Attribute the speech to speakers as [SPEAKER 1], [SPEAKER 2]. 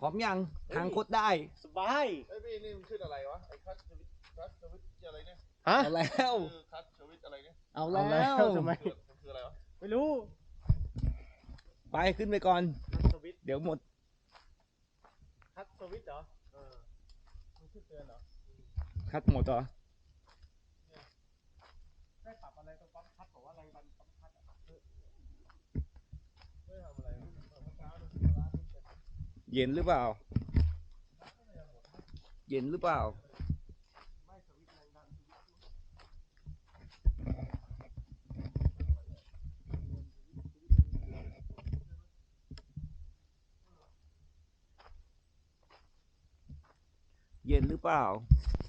[SPEAKER 1] ร้อมยังทางโคตรได้
[SPEAKER 2] สบาย
[SPEAKER 3] ไอ้พี่นี่มันขึ้นอะไรวะไอ้คัสสวิตอะไรเนี่ย
[SPEAKER 2] ฮะ
[SPEAKER 1] เอาแล้ว
[SPEAKER 3] คือคัสสวิตอะไรเนี่ย
[SPEAKER 1] เอา
[SPEAKER 2] เอา
[SPEAKER 1] แล้
[SPEAKER 2] แล้ว วทำไม
[SPEAKER 3] คืออะไรวะ
[SPEAKER 2] ไม่รู้
[SPEAKER 1] ไปขึ้นไปก่อน
[SPEAKER 2] คัสสวิต
[SPEAKER 1] เดี๋ยวหมด
[SPEAKER 2] คัสสวิตเหรอมันขึ้นเตือนเหรอ
[SPEAKER 1] คัดหมดเหรอ
[SPEAKER 2] ได้ปรับอะไรตรงปั๊มคัสบอกว่าอะไรปั๊มคัสอะ
[SPEAKER 3] ไม่ทำอะไรเมื่อเช้าดูร้านนี่เป็น
[SPEAKER 1] เย็นหรือเปล่า เย็นหรือเปล่า
[SPEAKER 2] ไม่สวิตแรงดันสวิต
[SPEAKER 1] เย็นหรือเปล่า